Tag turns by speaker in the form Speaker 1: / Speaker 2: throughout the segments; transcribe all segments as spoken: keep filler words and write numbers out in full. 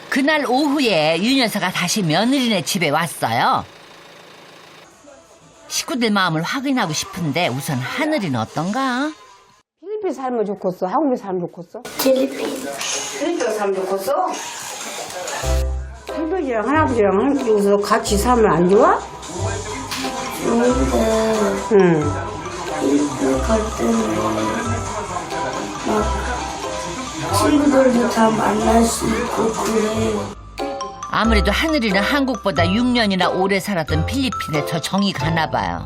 Speaker 1: 그날 오후에 윤 여사가 다시 며느리네 집에 왔어요. 식구들 마음을 확인하고 싶은데 우선 하늘이는 어떤가?
Speaker 2: 필리핀 살면 좋겠어? 한국에 살면 좋겠어?
Speaker 3: 필리핀.
Speaker 2: 필리핀 살면 좋겠어? 할아버지랑 할아버지랑 여기서 같이 살면 안 좋아?
Speaker 3: 여기는
Speaker 2: 응.
Speaker 3: 필리핀 갈 때는 막 친구들도 다 만날 수 있고 그래.
Speaker 1: 아무래도 하늘이는 한국보다 육 년이나 오래 살았던 필리핀에 더 정이 가나 봐요.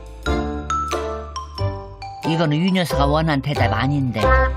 Speaker 1: 이거는 윤 여사가 원한 대답 아닌데.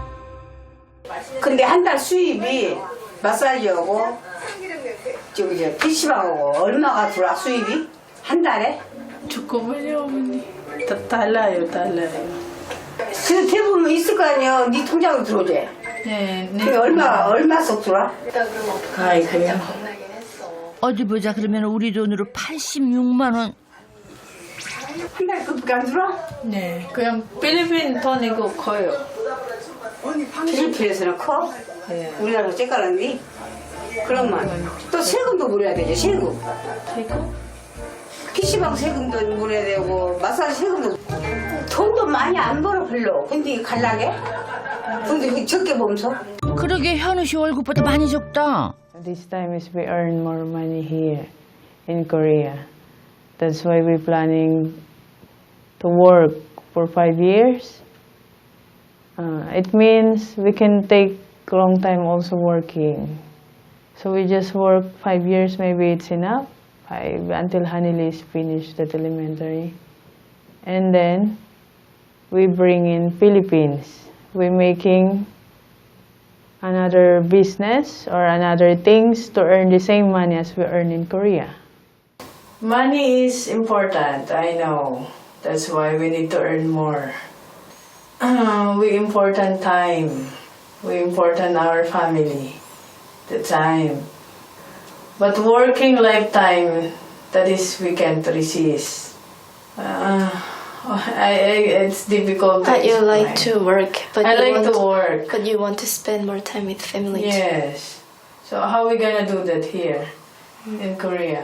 Speaker 2: 근데 한 달 수입이 마사지하고 저기 저 피시방하고 얼마가 들어와 수입이? 한 달에?
Speaker 4: 잠깐만요, 어머니. 다 달라요, 달라요.
Speaker 2: 그래서 대부분 있을 거 아니야. 네 통장으로 들어오지?
Speaker 4: 네, 네.
Speaker 2: 그게 얼마, 얼마 쏙 들어와?
Speaker 4: 아이고요.
Speaker 1: 어디 보자. 그러면 우리 돈으로 팔십육만 원.
Speaker 2: 한 달에 그밖에 안 들어와?
Speaker 4: 네, 그냥 필리핀 돈이고 커요.
Speaker 2: 필리핀에서는 커?
Speaker 4: 네.
Speaker 2: 우리나라 째깔았니? 그러면 또 세금도 물어야 되죠, 세금.
Speaker 4: 세금?
Speaker 2: 피시방 세금도 물어야 되고 마사지 세금도 돈도 많이 안 벌어 별로. 근데 갈라게? 근데 적게 보면서
Speaker 1: 그러게 현우 씨 월급보다 많이 적다.
Speaker 5: This time is we earn more money here in Korea. That's why we're planning to work for five years. Uh, it means we can take a long time also working. So we just work five years, maybe it's enough. Five, until Hanili is finished at elementary. And then we bring in Philippines. We're making another business or another things to earn the same money as we earn in Korea. Money is important, I know. That's why we need to earn more. Uh, we important time. We important our family. The time. But working lifetime, that is we can't resist. Uh, I, I, it's difficult to
Speaker 3: But you like
Speaker 5: explain.
Speaker 3: to work, but
Speaker 5: I
Speaker 3: you
Speaker 5: like
Speaker 3: want
Speaker 5: to work.
Speaker 3: But you want to spend more time with family too.
Speaker 5: Yes. So how we gonna do that here in Korea?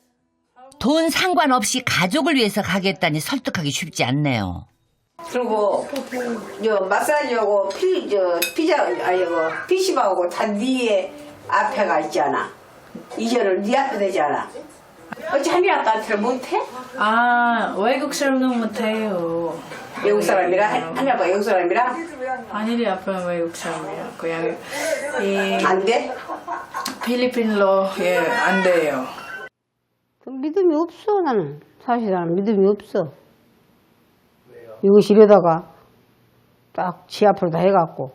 Speaker 1: 돈 상관없이 가족을 위해서 가겠다니 설득하기 쉽지 않네요.
Speaker 2: 그리고 저 마사지하고 피, 저 피자 아니 그 피시방하고 다 네 앞에가 있잖아. 이전을 네 앞에 되잖아. 어찌 한일 아빠한테 못해?
Speaker 4: 아, 외국 사람은 못해요.
Speaker 2: 외국 사람이랑 한- 한일 아빠 외국 사람이랑
Speaker 4: 아니리 아빠는 외국 사람이야. 그냥 이
Speaker 2: 안 돼?
Speaker 4: 필리핀로 예, 안 돼요.
Speaker 2: 믿음이 없어 나는. 사실 나는 믿음이 없어. 이것이 이러다가 딱 지 앞으로 다 해갖고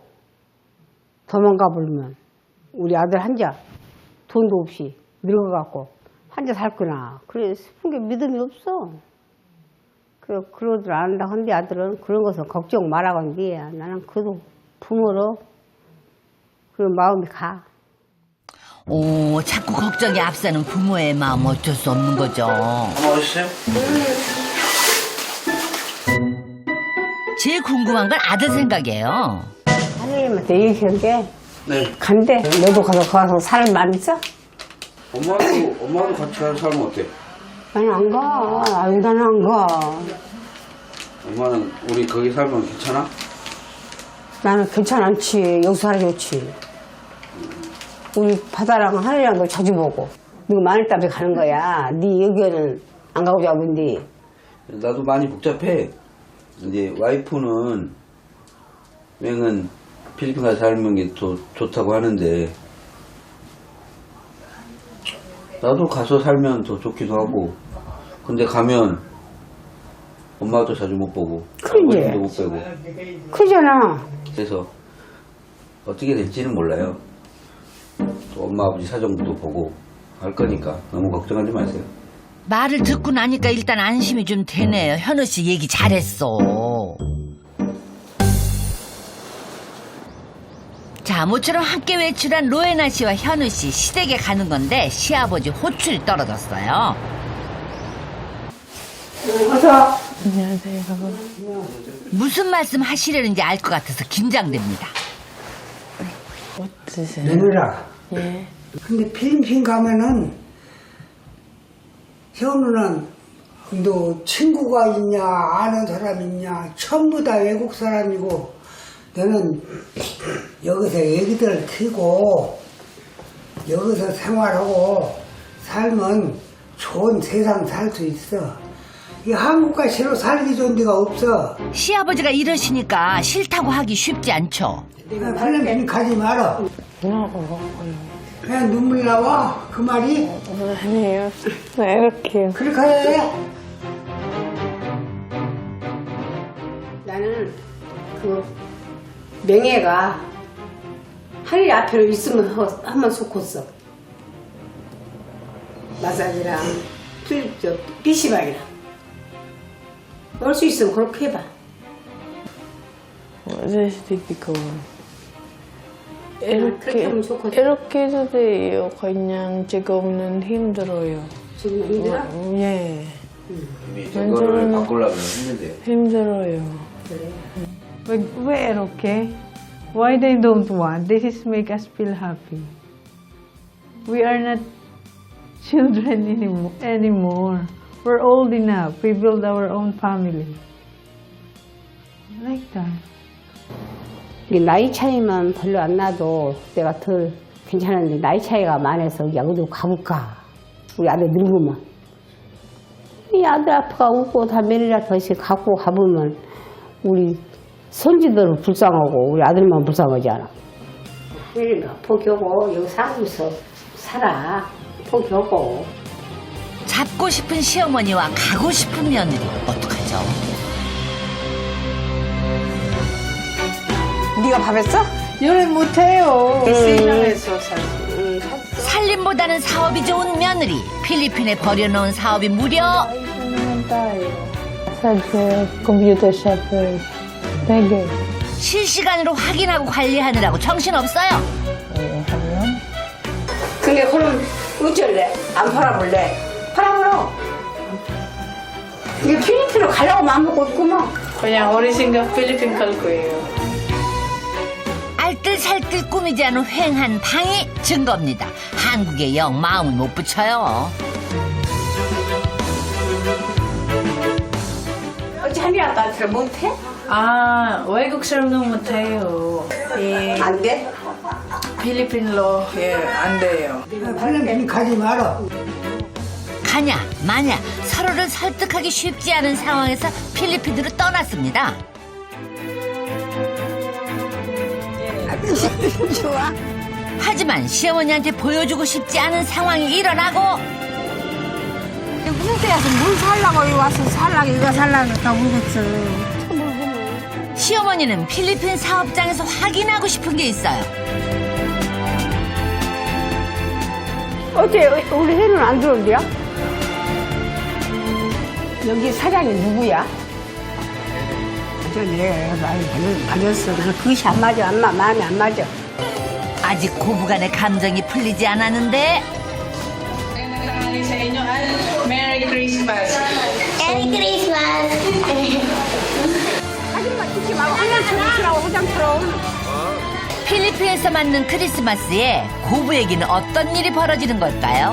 Speaker 2: 도망가 버리면 우리 아들 한자 돈도 없이 늙어갖고 한자 살거나 그래 싶은 게 믿음이 없어. 그래 그러들 안 한다 한데 아들은 그런 것은 걱정 말라고 한데 나는 그래도 부모로 그런 마음이 가.
Speaker 1: 오, 자꾸 걱정이 앞서는 부모의 마음 어쩔 수 없는 거죠.
Speaker 6: 맛있어요?
Speaker 1: 제일 궁금한 건 아들 생각이에요.
Speaker 2: 하나님한테 얘기한 게
Speaker 6: 네.
Speaker 2: 간대. 너도 가서 가서 살만 있어?
Speaker 6: 엄마도, 엄마도 같이 가서 살면 어때?
Speaker 2: 나는 안 가. 아유, 나는 안 가.
Speaker 6: 엄마는 우리 거기 살면 괜찮아?
Speaker 2: 나는 괜찮지. 여기서 살아 좋지. 우리 바다랑 하늘이랑도 자주 보고. 네가 마늘답에 가는 거야. 네 여기는 안 가고 잡은데.
Speaker 6: 나도 많이 복잡해. 이제 와이프는 맹은 필리핀 가서 살면 게 더 좋다고 하는데 나도 가서 살면 더 좋기도 하고 근데 가면 엄마도 자주 못 보고
Speaker 2: 그러지.
Speaker 6: 아버지도 못 뵈고
Speaker 2: 크잖아.
Speaker 6: 그래서 어떻게 될지는 몰라요. 또 엄마 아버지 사정도 보고 할 거니까 너무 걱정하지 마세요.
Speaker 1: 말을 듣고 나니까 일단 안심이 좀 되네요. 현우 씨 얘기 잘했어. 자, 모처럼 함께 외출한 로에나 씨와 현우 씨 시댁에 가는 건데 시아버지 호출이 떨어졌어요.
Speaker 5: 안녕하세요.
Speaker 1: 무슨 말씀 하시려는지 알 것 같아서 긴장됩니다.
Speaker 5: 드세요?
Speaker 7: 며느라,
Speaker 5: 예.
Speaker 7: 근데 필리핀 가면은 현우는 너 친구가 있냐 아는 사람 있냐 전부 다 외국 사람이고 너는 여기서 애기들 키고 여기서 생활하고 살면 좋은 세상 살 수 있어. 이 한국과 시로 살기 좋은 데가 없어.
Speaker 1: 시아버지가 이러시니까 싫다고 하기 쉽지 않죠.
Speaker 7: 필리핀 가지 마라. 그냥 눈물 나와 그 말이.
Speaker 5: 아니에요. 네, 이렇게요.
Speaker 7: 그렇게 해.
Speaker 2: 나는 그 명예가 하늘 앞에 있으면 한번 좋겠어. 마사지랑 필, 저, 피시박이랑. 올 수 있으면 그렇게 해봐.
Speaker 5: What is difficult?
Speaker 2: 그렇게
Speaker 5: 이렇게,
Speaker 2: 하면 좋거든.
Speaker 5: 이렇게 해도 돼요. 그냥 지금은 힘들어요.
Speaker 2: 지금 힘들어?
Speaker 5: 음, 예.
Speaker 6: 저거를 바꾸려면 힘든데요.
Speaker 5: 힘들어요. 왜, 왜 이렇게? Why they don't want? This is make us feel happy. We are not children anymore. anymore. We're old enough. We build our own family. Like that.
Speaker 2: 이게 나이 차이만 별로 안 나도 내가 덜 괜찮은데 나이 차이가 많아서 야 어디 가볼까? 우리 아들 늙으면 이 아들 아빠가 웃고 다 며느리 아빠씩 갖고 가보면 우리 손주들은 불쌍하고 우리 아들만 불쌍하지 않아. 그러니까 포기하고 여기 살면서 살아. 포기하고.
Speaker 1: 잡고 싶은 시어머니와 가고 싶은 며느리 어떡하죠?
Speaker 2: 네가 밥 했어?
Speaker 5: 요리 못해요. 시장에서 살.
Speaker 1: 살림보다는 사업이 좋은 며느리. 필리핀에 버려놓은 사업이 무려
Speaker 5: 사실 컴퓨터 샵을 되게
Speaker 1: 실시간으로 확인하고 관리하느라고 정신없어요.
Speaker 5: 하면
Speaker 2: 근데 그럼 어쩔래? 안 팔아볼래? 팔아보러. 이게 필리핀으로 가려고 마음먹고 있구만.
Speaker 5: 그냥 어린 생각 필리핀 갈 거예요.
Speaker 1: 알뜰살뜰 꾸미지 않은 횡한 방이 증거입니다. 한국에 영 마음을 못 붙여요.
Speaker 2: 어찌 한일 아빠한테 못해?
Speaker 4: 아, 외국 사람도 못해요. 이
Speaker 2: 안 돼?
Speaker 4: 필리핀로 예, 안 돼요.
Speaker 7: 필리핀 가지 마라.
Speaker 1: 가냐 마냐 서로를 설득하기 쉽지 않은 상황에서 필리핀으로 떠났습니다.
Speaker 2: 좋아.
Speaker 1: 하지만 시어머니한테 보여주고 싶지 않은 상황이 일어나고
Speaker 2: 무슨 때 와서 뭘 살라고 여기 와서 살라고 이거 살라고 다 울겠어.
Speaker 1: 시어머니는 필리핀 사업장에서 확인하고 싶은 게 있어요.
Speaker 2: 어째 우리 해는 안 들어온대요? 여기 사장이 누구야? 저 내가 많이 받았어. 그것이 안 맞아. 안 마, 마음이 안 맞아.
Speaker 1: 아직 고부간의 감정이 풀리지 않았는데
Speaker 5: 메리 크리스마스.
Speaker 3: 메리 크리스마스.
Speaker 2: 사진만 찍지 말고 화장처럼 치라고 화장처럼.
Speaker 1: 필리핀에서 맞는 크리스마스에 고부에게는 어떤 일이 벌어지는 걸까요?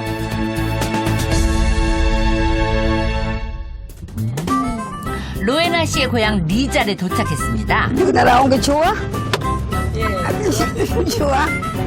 Speaker 1: 로에나 씨의 고향 리잘에 도착했습니다.
Speaker 2: 여기 나온 게 좋아? 예. 좋아?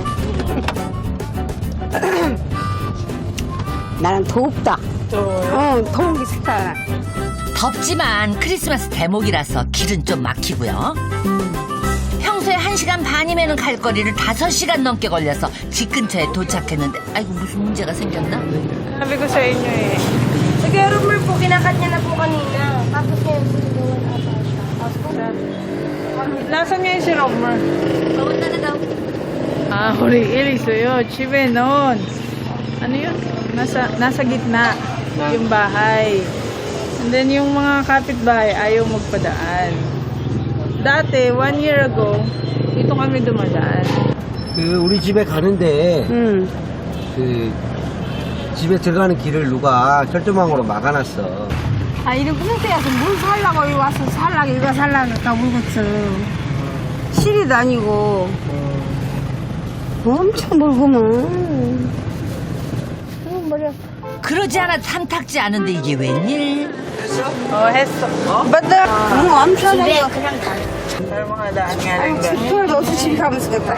Speaker 2: 나는 덥다. 어, 더운 게 싫다.
Speaker 1: 덥지만 크리스마스 대목이라서 길은 좀 막히고요. 평소에 한 시간 반이면 갈 거리를 다섯 시간 넘게 걸려서 집 근처에 도착했는데 아이고 무슨 문제가 생겼나?
Speaker 5: Sabi ko sa inyo eh.
Speaker 3: Nag-rumor po, kinakat niya na po kanina. Tapos ngayon po doon ata siya. Tapos po,
Speaker 5: Nasaan niya yung si Romer?
Speaker 3: papunta na daw.
Speaker 5: Ah, huli 있어요. 집에 noon. Ano yun? Nasa, nasa gitna yung bahay. And then yung mga kapitbahay ayaw magpadaan. Dati, one year ago, dito kami dumadaan.
Speaker 8: 그 우리 집에 가는데
Speaker 2: 응.
Speaker 8: 그 집에 들어가는 길을 누가 철조망으로 막아놨어.
Speaker 2: 아, 이런 무슨 때 와서 뭘 살라고 여기 와서 살라고 이거 살라고 다 울겠어. 실이도 아니고. 엄청 멀구만. 어, 머리 아파.
Speaker 1: 그러지 않아도 탐탁지 않은데 이게 웬일?
Speaker 5: Oh, 했어.
Speaker 2: 맞다. 응, 엄청 멀어.
Speaker 5: mga daan nga lang dyan.
Speaker 2: 집에 없어 집에 가면 쓰겠다.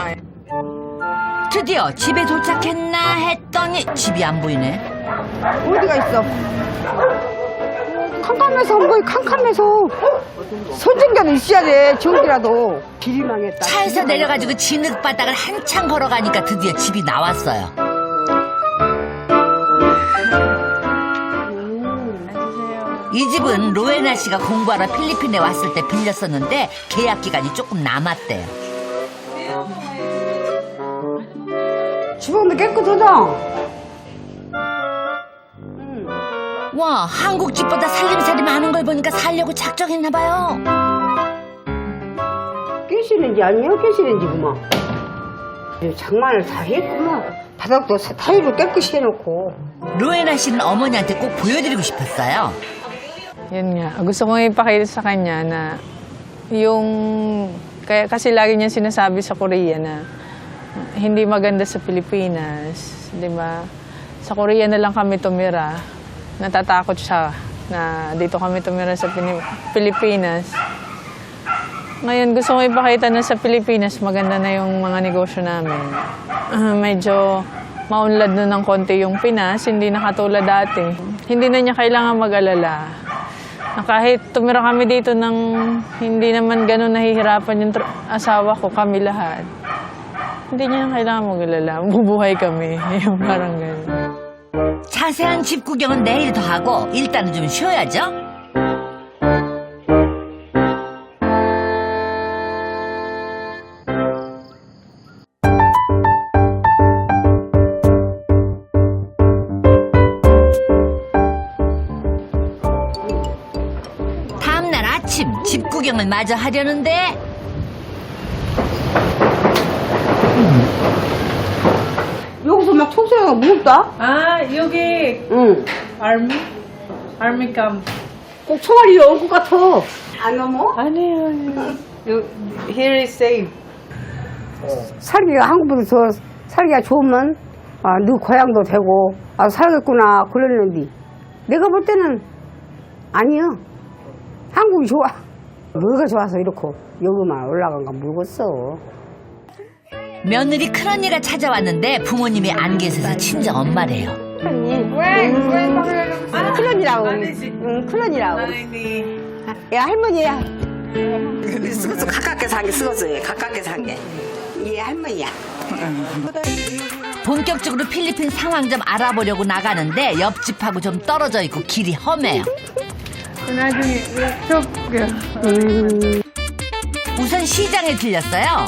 Speaker 1: 드디어 집에 도착했나 했더니 집이 안 보이네.
Speaker 2: 어디가 있어? 캄캄해서 안 보여, 캄캄해서. 손전기라도 있어야 돼, 전기라도. 길이 망했다.
Speaker 1: 차에서 내려가지고 진흙바닥을 한참 걸어가니까 드디어 집이 나왔어요. 이 집은 로에나 씨가 공부하러 필리핀에 왔을 때 빌렸었는데 계약 기간이 조금 남았대요.
Speaker 2: 주방도 깨끗하다.
Speaker 1: 와, 한국 집보다 살림살이 많은 걸 보니까 살려고 작정했나 봐요.
Speaker 2: 깨시는지 아니야? 깨시는지구만. 장만을 다 했구만. 바닥도 타일로 깨끗이 해놓고.
Speaker 1: 로에나 씨는 어머니한테 꼭 보여드리고 싶었어요.
Speaker 5: Yun nga. Gusto kong ipakita sa kanya na yung... Kaya, kasi lagi niya sinasabi sa Korea na hindi maganda sa Pilipinas. Di ba? Sa Korea na lang kami tumira. Natatakot siya na dito kami tumira sa Pini- Pilipinas. Ngayon, gusto kong ipakita na sa Pilipinas maganda na yung mga negosyo namin. Ah, medyo maunlad na ng konti yung Pinas, hindi na katulad dati. Hindi na niya kailangan mag-alala. Na kahit tumira kami dito ng hindi naman ganun nahihirapan yung tra- asawa ko, kami lahat. Hindi niya kailangan mag-alala. Bubuhay kami. Yung parang ganun.
Speaker 1: 자세한 집 구경은 내일 더 하고 일단은 좀 쉬어야죠. 다음날 아침 집 구경을 마저 하려는데
Speaker 2: 여기서 막 총소리가 무섭다?
Speaker 5: Ah, 여기
Speaker 2: 응.
Speaker 5: army? Army camp.
Speaker 2: 꼭 총알이 올 것 같아. 안 넘어?
Speaker 5: 아니에요. You, here is safe.
Speaker 2: 살기가 한국보다 더 살기가 좋으면 아, 너 고향도 되고 아 살겠구나 그랬는데 내가 볼 때는 아니야. 한국이 좋아. 뭐가 좋아서 이렇게 여기만 올라간 건 모르겠어.
Speaker 1: 며느리 큰언니가 찾아왔는데 부모님이 안 계셔서 친정 엄마래요.
Speaker 2: 큰언니. 아, 큰언니라고. 응, 큰언니라고. 야, 할머니야. 쓰고서 가깝게 산게 쓰고서 가깝게 산게. 얘 할머니야.
Speaker 1: 본격적으로 필리핀 상황 좀 알아보려고 나가는데 옆집하고 좀 떨어져 있고 길이 험해요.
Speaker 5: 나중에 쭉
Speaker 2: 음.
Speaker 1: 우선 시장에 들렸어요.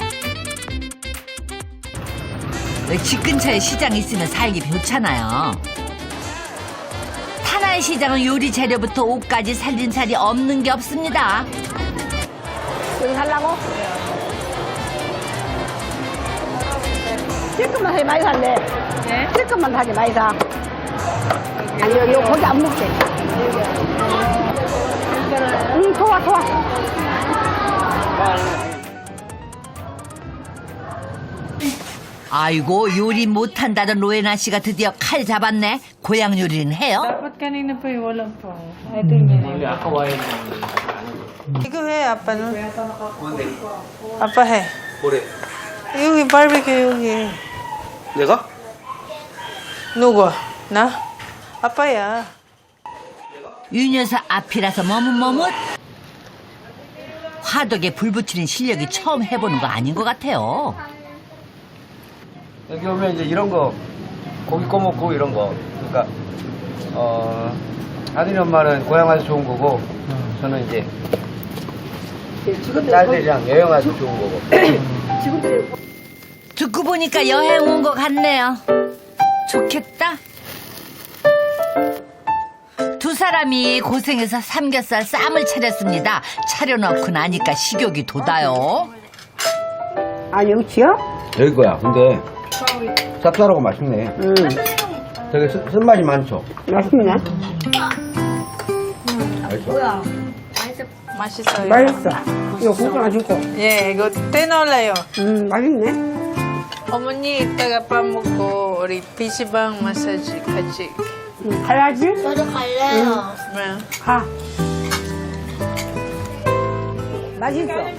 Speaker 1: 집 근처에 시장이 있으면 살기 좋잖아요. 타나의 시장은 요리 재료부터 옷까지 살림살이 없는 게 없습니다.
Speaker 2: 여기 살라고? 찔끔만 사게 많이 살래.
Speaker 5: 네?
Speaker 2: 찔끔만 사게 많이 사. 아니, 여기 거기 안 먹게. 응, 좋아, 좋아.
Speaker 1: 아이고 요리 못한다던 로에나 씨가 드디어 칼 잡았네. 고향 요리는 해요?
Speaker 5: Dapat kanina pa yung walang pa. I think yun. 이거 해, 아빠는. 아빠 해.
Speaker 6: 뭐래?
Speaker 5: 여기 바비큐 여기.
Speaker 6: 내가?
Speaker 5: 누구? 나? 아빠야.
Speaker 1: 유 녀석 앞이라서 머뭇머뭇. 화덕에 불 붙이는 실력이 처음 해보는 거 아닌 것 같아요.
Speaker 8: 여기 오면 이제 이런 거 고기 꺼먹고 이런 거 그러니까 어 아들이 엄마는 고향 와서 좋은 거고 저는 이제 딸들이랑 여행 와서 좋은 거고
Speaker 1: 듣고 보니까 여행 온 것 같네요. 좋겠다. 두 사람이 고생해서 삼겹살 쌈을 차렸습니다. 차려놓고 나니까 식욕이 돋아요.
Speaker 2: 아, 여기요?
Speaker 8: 여기 거야. 근데 쌉쌀하고 맛있네.
Speaker 2: 응.
Speaker 8: 되게 쓴, 쓴맛이 많죠.
Speaker 2: 맛있네.
Speaker 8: 맛있어.
Speaker 5: 맛있어요.
Speaker 2: 맛있어. 이거 국수 하나 줄거.
Speaker 5: 예, 이거 떼넣을래요.
Speaker 2: 음, 맛있네.
Speaker 5: 어머니 이따가 밥 먹고 우리 피시방 마사지 같이
Speaker 2: 가야지.
Speaker 3: 저도 갈래요.
Speaker 5: 네.
Speaker 2: 가. 맛있어.